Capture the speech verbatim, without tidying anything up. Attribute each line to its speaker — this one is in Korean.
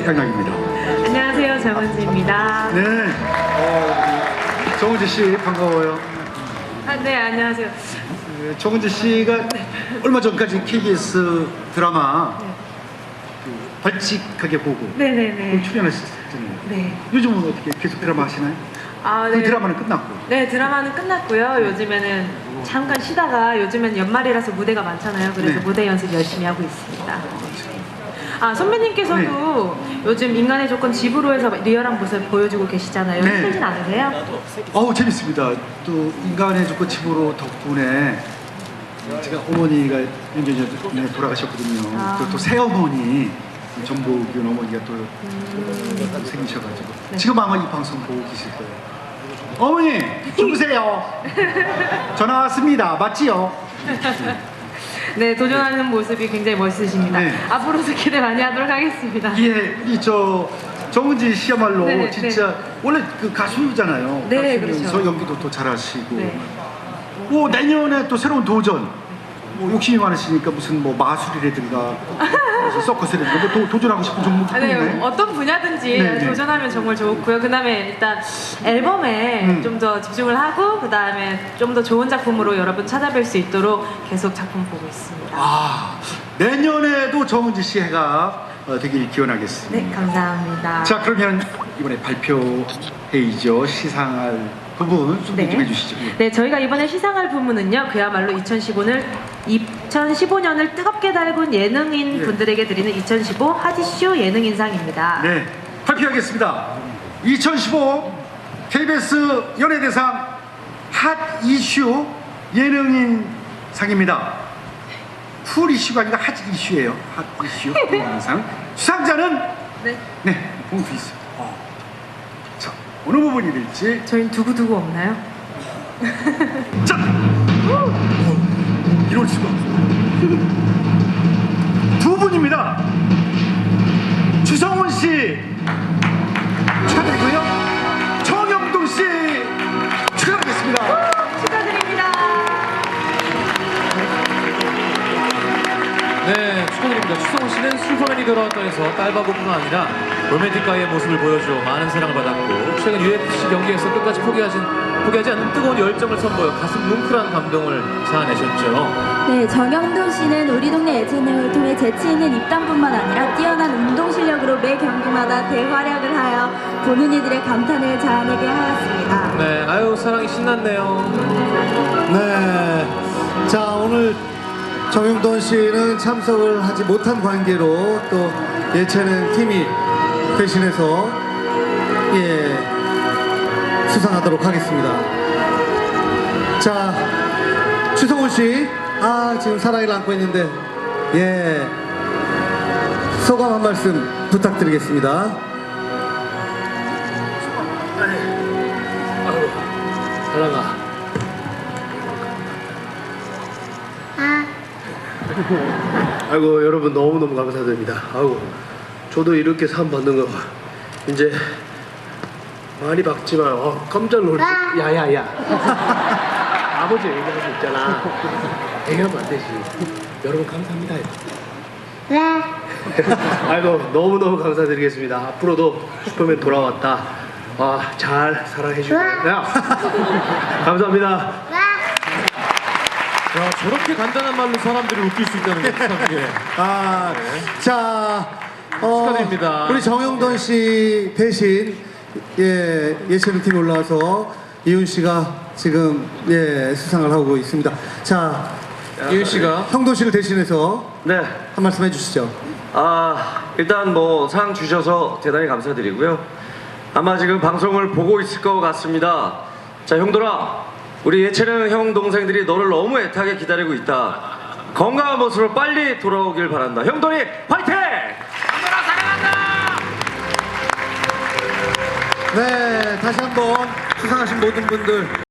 Speaker 1: 네, 양락입니다.
Speaker 2: 안녕하세요, 정은지입니다.
Speaker 1: 네, 어, 정은지 씨 반가워요.
Speaker 2: 아, 네, 안녕하세요.
Speaker 1: 네, 정은지 씨가 얼마 전까지 케이비에스 드라마
Speaker 2: 네.
Speaker 1: 그 발칙하게 보고
Speaker 2: 네네네.
Speaker 1: 출연하셨잖아요.
Speaker 2: 네.
Speaker 1: 요즘은 어떻게 계속 드라마 하시나요?
Speaker 2: 아,
Speaker 1: 그
Speaker 2: 네.
Speaker 1: 드라마는 끝났고.
Speaker 2: 네, 드라마는 끝났고요. 요즘에는 잠깐 쉬다가 요즘엔 연말이라서 무대가 많잖아요. 그래서
Speaker 1: 네.
Speaker 2: 무대 연습 열심히 하고 있습니다. 아, 선배님께서도 요즘 인간의 조건 집으로 해서 리얼한 모습 보여주고 계시잖아요.
Speaker 1: 네.
Speaker 2: 힘들진 않으세요?
Speaker 1: 어우 재밌습니다. 또 인간의 조건 집으로 덕분에 제가 어머니가 몇 년 전에 돌아가셨거든요.
Speaker 2: 아.
Speaker 1: 또, 또 새어머니 정복윤 어머니가 또 음. 생기셔가지고
Speaker 2: 네.
Speaker 1: 지금 아마 이 방송 보고 계실 거예요. 어머니 주무세요. 전화 왔습니다. 맞지요?
Speaker 2: 네, 도전하는 모습이 굉장히 멋있으십니다.
Speaker 1: 네.
Speaker 2: 앞으로도 기대 많이 하도록 하겠습니다.
Speaker 1: 예, 이 저 정은지 씨야말로
Speaker 2: 네,
Speaker 1: 진짜
Speaker 2: 네.
Speaker 1: 원래 그 가수잖아요.
Speaker 2: 네,
Speaker 1: 가수면서
Speaker 2: 그렇죠.
Speaker 1: 연기도 또 잘하시고.
Speaker 2: 네.
Speaker 1: 뭐 내년에 또 새로운 도전. 뭐 욕심이 많으시니까 무슨 뭐 마술이라든가 무슨 서커스라든가 뭐 도, 도전하고 싶은 종목이
Speaker 2: 아, 네,
Speaker 1: 있나요?
Speaker 2: 어떤 분야든지
Speaker 1: 네, 네.
Speaker 2: 도전하면 정말 좋고요. 그 다음에 일단 앨범에
Speaker 1: 음.
Speaker 2: 좀 더 집중을 하고 그 다음에 좀 더 좋은 작품으로 여러분 찾아뵐 수 있도록 계속 작품 보고 있습니다.
Speaker 1: 아, 내년에도 정은지 씨 해가 어, 되길 기원하겠습니다.
Speaker 2: 네, 감사합니다.
Speaker 1: 자, 그러면 이번에 발표회의죠. 시상할 부분 소개 좀 해주시죠. 예.
Speaker 2: 네, 저희가 이번에 시상할 부문은요, 그야말로 이천십오년을 이천십오년을 뜨겁게 달군 예능인
Speaker 1: 예.
Speaker 2: 분들에게 드리는 이천십오 핫이슈 예능인상입니다.
Speaker 1: 네, 발표하겠습니다. 이천십오 케이비에스 연예대상 핫 이슈 예능인 상입니다. 쿨 이슈가 아니라 핫 이슈예요. 핫 이슈 예능상. 수상자는
Speaker 2: 네.
Speaker 1: 네, 봉투 있어요. 어. 자, 어느 부분이 될지.
Speaker 2: 저희는 두고두고 없나요?
Speaker 1: 자, 어, 이럴 수가. 두 분입니다. 주성훈 씨 축하드리고요. 정영돈 씨 축하드리겠습니다.
Speaker 2: 축하드립니다.
Speaker 3: 네, 축하드립니다. 추성훈 씨는 슈퍼맨이 돌아왔다에서 딸바보뿐만 아니라 로맨틱가의 모습을 보여줘 많은 사랑을 받았고 최근 유에프씨 경기에서 끝까지 포기하지, 포기하지 않는 뜨거운 열정을 선보여 가슴 뭉클한 감동을 자아내셨죠.
Speaker 4: 네, 정영돈 씨는 우리 동네 예체능을 통해 재치 있는 입담뿐만 아니라 뛰어난 운동 실력으로 매 경기마다 대활약을 하여 보는 이들의 감탄을 자아내게 하였습니다.
Speaker 3: 네, 아유 사랑이 신났네요.
Speaker 5: 네. 자, 오늘 정영돈 씨는 참석을 하지 못한 관계로 또 예체능 팀이 대신해서 예 수상하도록 하겠습니다. 자, 추성훈 씨, 아 지금 사랑을 안고 있는데 예 소감 한 말씀 부탁드리겠습니다.
Speaker 3: 사랑아.
Speaker 6: 아이고 여러분 너무너무 감사드립니다. 아이고 저도 이렇게 상 받는 거 이제 많이 받지만 어, 깜짝 놀랐어. 야야야 아버지 얘기하고 있잖아. 얘기하면 안 되지. 여러분 감사합니다. 네. 아이고 너무너무 감사드리겠습니다. 앞으로도 슈퍼맨 돌아왔다. 아, 잘 사랑해주고 야 감사합니다.
Speaker 3: 야, 저렇게 간단한 말로 사람들이 웃길 수 있다는 게 참 예.
Speaker 5: 아, 자, 어,
Speaker 3: 축하드립니다.
Speaker 5: 우리 정영돈 씨 대신 예 예체능 팀 올라와서 이훈 씨가 지금 예 수상을 하고 있습니다. 자,
Speaker 3: 이윤 씨가
Speaker 5: 형돈 씨를 대신해서
Speaker 7: 네,
Speaker 5: 한 말씀 해주시죠.
Speaker 7: 아 일단 뭐 상 주셔서 대단히 감사드리고요. 아마 지금 방송을 보고 있을 것 같습니다. 자, 형들아, 우리 예체능 형 동생들이 너를 너무 애타게 기다리고 있다. 건강한 모습으로 빨리 돌아오길 바란다. 형들이 화이팅! 형들아 사랑한다!
Speaker 5: 네, 다시 한번 수상하신 모든 분들